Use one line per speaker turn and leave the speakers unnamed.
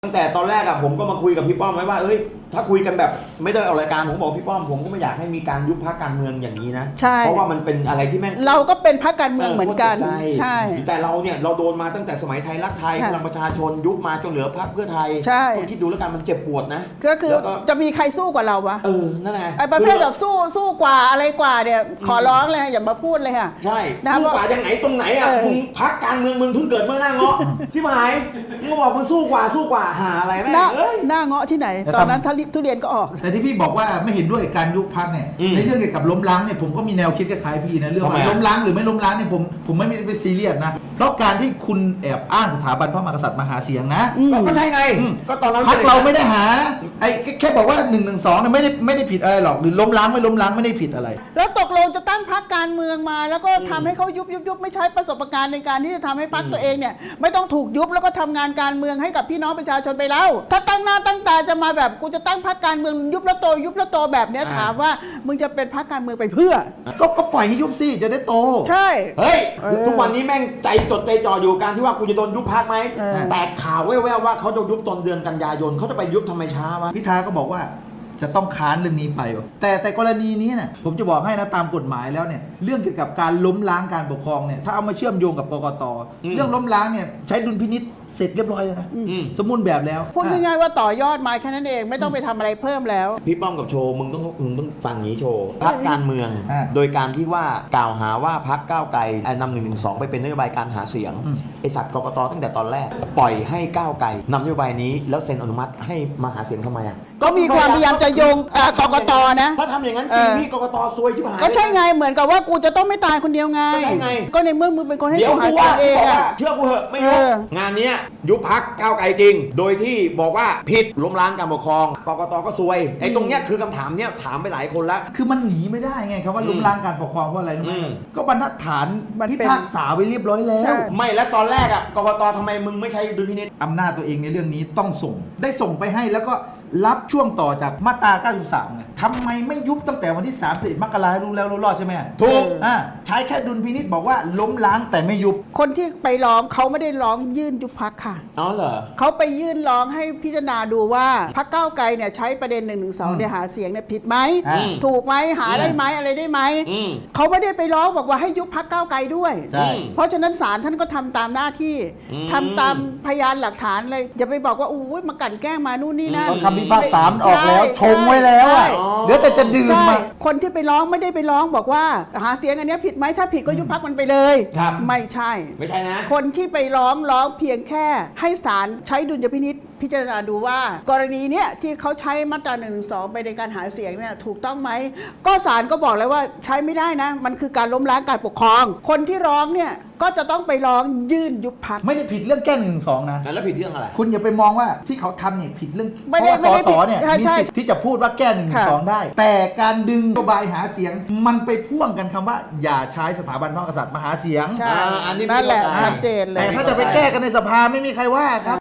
ตั้งแต่ตอนแรกอะผมก็มาคุยกับพี่ป้อมไว้ว่าเอ้ยถ้าคุยกันแบบไม่ได้ออกรายการผมบอกพี่ป้อมผมก็ไม่อยากให้มีการยุบพรรคการเมืองอย่างนี้นะ
ใช่
เพราะว่ามันเป็นอะไรที่แม่ง
เราก็เป็นพรรคการเมืองเหมือนกัน ใช่
แต่เราเนี่ยเราโดนมาตั้งแต่สมัยไทยรักไทยพลังประชาชนยุบมาจนเหลือพรรคเพื่อไทย
ใช่
ต้องคิดดูแล้วกันมันเจ็บปวดนะ
ก็คือจะมีใครสู้กว่าเราวะ
นั่นไง
ไอ้ประเภทแบบสู้กว่าอะไรกว่าเนี่ยขอร้องเลยอย่ามาพูดเลยค่ะ
ใช่
นะ
สู้กว่าอย่างไหนตรงไหนอะมึงพรรคการเมืองมึงเพิ่งเกิดเมื่อหน้าเงาะที่หมายมึงมาบอกมึงสู้กว่าหาอะไรแม่งเอ้ย
หน้าเงาะที่ไหน ตอนนั้นทุเรียนก็ออก
แต่ที่พี่บอกว่าไม่เห็นด้วยกับการยุบพรรคเนี่ย ในเรื่องเกี่ยวกับล้มล้างเนี่ยผมก็มีแนวคิดคล้ายๆพี่นะเรื่อง
ทำไม
ว่า
อะ
ล้มล้างหรือไม่ล้มล้างเนี่ยผมไม่ได้ไปซีเรียสนะเพราะการที่คุณแอบอ้างสถาบันพระมหากษัตริย์มาหาเสียงนะ
ก็ใช่ไงก็ตอนนั้น
พรรคเราไม่ได้หาไอ้แค่บอกว่า1 1 2เนี่ยไม่ได้ผิดอะไรหรอกหรือล้มล้างไม่ล้มล้างไม่ได้ผิดอะไร
แล้วตกลงจะตั้งพรรคการเมืองมา แล้วก็ทำให้เขายุบไม่ใช้ประสบการณ์ในการที่จะทำให้พรรคตัวเองเนี่ยไม่ต้องถูกยุบแล้วก็ทำงานการเมืองให้กับพี่น้องประชาชนไปแล้ว ถ้าตั้งหน้าตั้งตาจะมาแบบกูจะตั้งพรรคการเมืองยุบแล้วโตแบบเนี้ยถามว่ามึงจะเป็นพรรคการเมืองไปเพื่อ
ก็ปล่อยให้ยุบสิจะได้โต
ใช่
เฮ้ยทุกวันนี้แม่งใจจดใจจ่ออยู่การที่ว่ากูจะโดนยุบพรรคไหม แต่ข่าวแว่วๆว่าเขาจะยุบตอนเดือนกันยายนเขาจะไปยุบทำไมช้าวะ
พิธาก็บอกว่าจะต้องค้านเรื่องนี้ไป แต่กรณีนี้เนี่ยผมจะบอกให้นะตามกฎหมายแล้วเนี่ยเรื่องเกี่ยวกับการล้มล้างการปกครองเนี่ยถ้าเอามาเชื่อมโยงกับกกตเรื่องล้มล้างเนี่ยใช้ดุลพินิษเสร็จเรียบร้อยแล้วนะสมบูรณ์แบบแล้ว
พูดง่ายๆว่าต่อยอดมาแค่นั้นเองไม่ต้องไปทำอะไรเพิ่มแล้ว
พี่ป้อมกับโชว์มึงต้องฟังงี้โชว์พรรคการเมือง
อ่า
โดยการที่ว่ากล่าวหาว่าพรรคก้าวไกลนำ112ไปเป็นนโยบายการหาเสียงไอสัตว์กกตตั้งแต่ตอนแรก ปล่อยให้ก้าวไกลนำนโยบายนี้แล้วเซ็นอนุมัติให้มาหาเสียงทำไมอ่ะ
ก็มีความพยายามจะโยงกกตนะ
ถ้าทำอย่างนั้นจริงพี่กกตซวยชิบหาย
ก็ใช่ไงเหมือนกับว่ากูจะต้องไม่ตายคนเดียวไง
ก็ใช่ไง
ก็ในเมื่อมึงเป็นคนให้
เดี๋ยว
กูหา
กู
เสีย
ว่าง
เอง
บอก
อะ
ว่าเชื่อกูเหอะไม่ยุบ
เออ
งานเนี้ยยุบพักก้าวไกลจริง โดยที่บอกว่าผิดล้มล้างการปกครองกกตก็ซวยไอ้ตรงเนี้ยคือคำถามเนี้ยถามไปหลายคนแล้ว
คือมันหนีไม่ได้ไงครับว่าล้มล้างการปกครองเพราะอะไรรู้ไหม
อืม
ก็บรรทัดฐาน
มัน
พิ
เป็น
พากษาไว้เรียบร้อยแล้ว
ใช่
ไม่แล้วตอนแรกอ่ะกกตทำไมมึงไม่ใช้ดุลพินิจ
อำนาจตัวเองในเรื่องนี้ต้องส่ง ได้ส่งไปให้แล้วก็รับช่วงต่อจากมาตรา 93ไงทำไมไม่ยุบตั้งแต่วันที่31 มกราคมรู้แล้วรู้รอดใช่ไหม
ถูก
ใช้แค่ดุลพินิจบอกว่าล้มล้างแต่ไม่ยุบ
คนที่ไปร้องเขาไม่ได้ร้องยื่นยุบพักค่ะ
อ๋อเหรอ
เขาไปยื่นร้องให้พิจารณาดูว่าพรรคก้าวไกลเนี่ยใช้ประเด็น1นึเนี่ยหาเสียงเนี่ยผิดไหม
อืม
ถูกไหมหาได้ไหมอะไรได้ไหม
อืม
เขาไม่ได้ไปร้องบอกว่าให้ยุบพรรคก้าวไกลด้วย
ใช่
เพราะฉะนั้นศาลท่านก็ทำตามหน้าที่
อืม
ทำตามพยานหลักฐานเลยอย่าไปบอกว่าอู้ยมากลั่นแกล้งมานู่นนี่นั่น
ตอนคำพิพากษามันออกแล้ว
ใช่
ชงไว้แล้วอะ
ใช่
เหลือแต่จะดื่ม
ใช่
มา
คนที่ไปร้องไม่ได้ไปร้องบอกว่าหาเสียงอันเนี้ยผิดไหมถ้าผิดก็ยุบพรรคมันไปเลย
ครับ
ไม่ใช่
ไม่ใช่นะ
คนที่ไปร้องเพียงแค่ให้ศาลใช้ดุลยพินิษพิจารณาดูว่า กรณีเนี้ยที่เขาใช้มาตรา1นึไปในการหาเสียงเนี่ยถูกต้องไหมก็ศาลก็บอกแล้วว่าใช้ไม่ได้นะ มันคือการล้มล้างการปกครอง คนที่ร้องเนี่ยก็จะต้องไปร้องยื่นยุบพรรค
ไม่ได้ผิดเรื่องแก้112นะ
แล้วผิดเรื่องอะไร
คุณอย่าไปมองว่าที่เขาทำเนี่ยผิดเรื่อง
ไม่
เพ
ได้
ราะว่า
ไม่
ส
ได้
สเนี่ย
ผิด
มี
ใช่
สิทธิ์ที่จะพูดว่าแก้112ได้ แต่การดึงนโยบายหาเสียงมันไปพ่วงกันคำว่า อย่าใช้สถาบันพระมหากษัตริย์มาหาเสียง
ใช่
อันนี้
นั่นแหละ
ไม่เข้าใจ
ชัดเจนเลย
แต่ถ้าจะไปแก้กันในสภาไม่มีใครว่าครับ